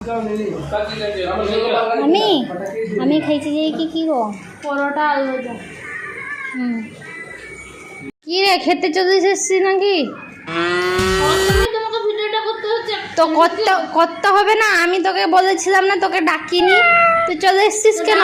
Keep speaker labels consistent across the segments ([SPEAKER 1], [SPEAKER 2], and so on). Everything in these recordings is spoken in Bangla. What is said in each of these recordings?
[SPEAKER 1] আমি আমি খাইছি যে কি গো পরোটা আলু ভাজা। কি রে খেতে চলে এসেছিস নাকি? তো করতে হবে না? আমি তোকে বলেছিলাম না, তোকে ডাকিনি, তুই চলে এসেছিস কেন?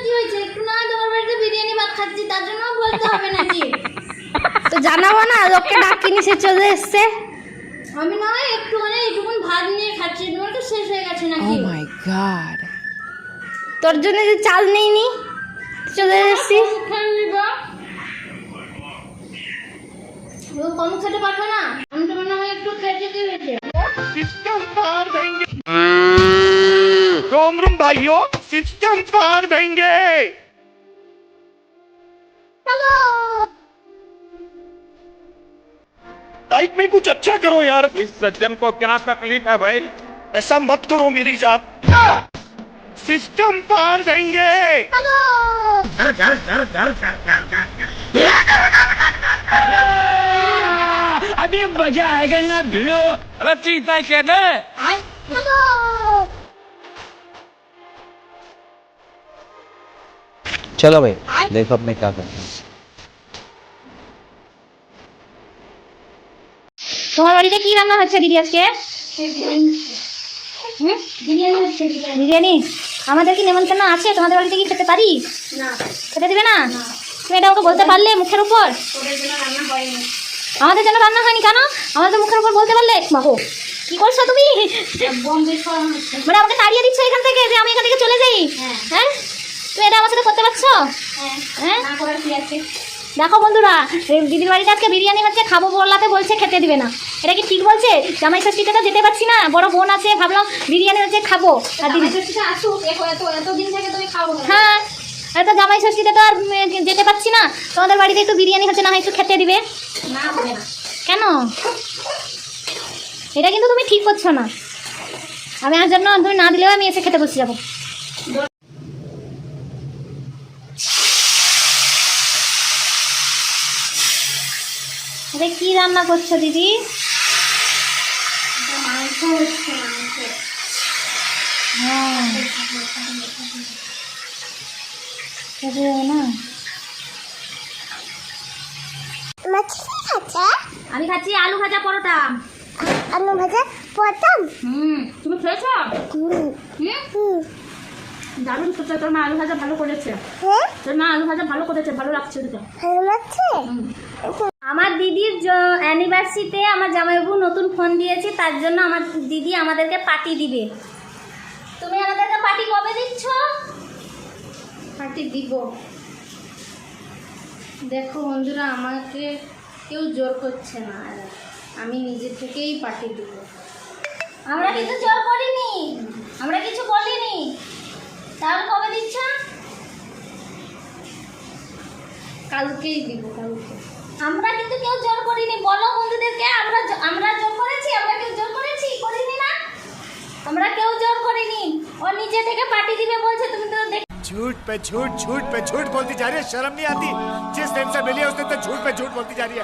[SPEAKER 1] তো জানাবো না, লোককে ডাকিনি, সে চলে এসছে।
[SPEAKER 2] আমি না একটুখানি এইটুকুন ভাত নিয়ে খাচ্ছি, তোমার তো শেষ হয়ে গেছে নাকি?
[SPEAKER 3] Oh my god.
[SPEAKER 1] তোর জন্য যে চাল নেইনি, চলে এসেছি।
[SPEAKER 2] কম খেতে পারবে না? আমি তো মনে হয় একটু খেতে কি হয়েছে।
[SPEAKER 4] रोम भाइयों सिस्टम पार देंगे। लाइफ में कुछ अच्छा करो यार। इस सज्जन को क्या तकलीफ है भाई? ऐसा मत करो मेरी साथ। सिस्टम पार देंगे। अभी मजा आएगा ना भिड़ो। अरे चिंता कहना
[SPEAKER 5] चलो भाई देखो अब मैं क्या करता हूँ।
[SPEAKER 1] তোমার বাড়িতে কি রান্না হচ্ছে দিদি আজকে? বিরিয়ানি। আমাদের কি নেমন্তন্ন আছে? তোমাদের বাড়িতে কি খেতে পারি?
[SPEAKER 2] না,
[SPEAKER 1] খেতে দিবে না? তুমি এটা ওকে বলতে পারলে মুখের উপর?
[SPEAKER 2] ওদের জন্য রান্না হয়নি।
[SPEAKER 1] আমাদের জন্য রান্না হয়নি কেন? আমাদের মুখের উপর বলতে পারলে? বাবু কি করছো তুমি?
[SPEAKER 2] বম বিস্ফোরণ হচ্ছে।
[SPEAKER 1] মানে আমাকে তাড়িয়ে দিচ্ছ এখান থেকে যে আমি এখান থেকে চলে যাই? হ্যাঁ, তুমি এটা আমার সাথে করতে পারছো? হ্যাঁ,
[SPEAKER 2] না করার কি আছে?
[SPEAKER 1] দেখো বন্ধুরা, দিদির বাড়িতে আজকে বিরিয়ানি হচ্ছে, খাবো বলাতে বলছে খেতে দিবে না। এটা কি ঠিক বলছে? জামাই ষষ্ঠীতে তো যেতে পারছি না, বড় বোন আছে, ভাবলাম বিরিয়ানি হচ্ছে খাবো। আর দিদি
[SPEAKER 2] আসুক, এতদিন থেকে তুমি খাবো।
[SPEAKER 1] হ্যাঁ, আর তো জামাই ষষ্ঠীতে তো আর যেতে পারছি না, তোমাদের বাড়িতে একটু বিরিয়ানি হচ্ছে, না হয় একটু খেতে দিবে।
[SPEAKER 2] না হবে না।
[SPEAKER 1] কেন? এটা কিন্তু তুমি ঠিক করছো না। আমি আর জন্য তুমি না দিলেও আমি এসে খেতে বসে যাবো। এটা কি রান্না করছো দিদি?
[SPEAKER 2] মাংস হচ্ছে, মাংস।
[SPEAKER 1] হ্যাঁ, না আমি খাচ্ছি আলু ভাজা পরোটা।
[SPEAKER 6] আলু ভাজা প্রথম
[SPEAKER 1] তুমি খেয়েছো? দারুণ খেতে। তোর মা আলু ভাজা ভালো করেছে। তোর মা আলু ভাজা ভালো করেছে, ভালো লাগছে দিতে।
[SPEAKER 6] ভালো লাগছে।
[SPEAKER 1] আমার দিদির অ্যানিভার্সারিতে আমার জামাইবাবু নতুন ফোন দিয়েছে, তার জন্য আমার দিদি আমাদেরকে পার্টি দিবে। তুমি আমাদেরকে পার্টি কবে দিচ্ছ?
[SPEAKER 2] পার্টি দিব। দেখো বন্ধুরা, আমাকে কেউ জোর করছে না, আমি নিজে থেকেই পার্টি দিব।
[SPEAKER 1] আমরা কিন্তু জোর করিনি, আমরা কিছু বলিনি। তাহলে কবে দিচ্ছ?
[SPEAKER 2] কালকেই দিব, কালকে।
[SPEAKER 1] আমরা কিন্তু কেউ জোর করিনি। বলো বন্ধুদেরকে, আমরা জোর করেছি? আমরা কেউ জোর করেছি? করিনি না, আমরা কেউ জোর করিনি। ও নিজে থেকে পার্টি দিবে বলছে। তুমি তো
[SPEAKER 4] झूठ पे झूठ, झूठ पे झूठ बोलती जा रही है। शर्म नहीं आती? जिस दिन से मिली है उस दिन से झूठ पे झूठ बोलती जा रही है।